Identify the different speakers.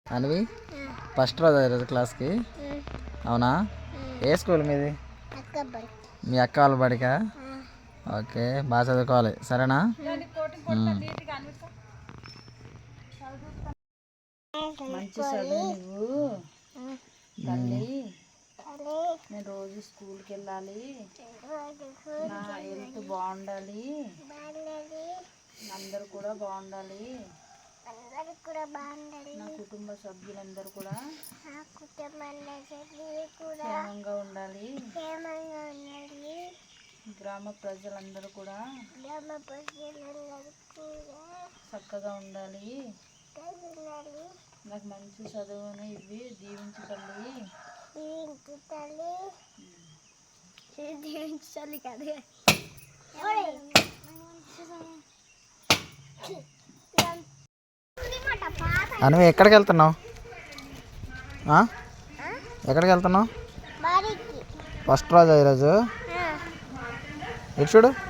Speaker 1: అనివి first రోజు ఈరోజు క్లాస్కి. అవునా? ఏ స్కూల్ మీది? మీ అక్క వాళ్ళ బడికా? ఓకే, బాగా చదువుకోవాలి, సరేనా?
Speaker 2: మంచి చదువు నువ్వు తల్లి. నేను రోజు స్కూల్కి వెళ్ళాలి, నా హెల్త్ బాగుండాలి, అందరూ కూడా బాగుండాలి, నా కుటుంబ సభ్యులందరూ కూడా క్షేమంగా ఉండాలి, గ్రామ ప్రజలందరూ కూడా చక్కగా ఉండాలి, నాకు మంచి చదువును ఇవి దీవించు తల్లి.
Speaker 1: అనివి ఎక్కడికి వెళ్తున్నావు? ఎక్కడికి వెళ్తున్నావు? ఫస్ట్ రోజు ఈరోజు. ఇటు చూడు.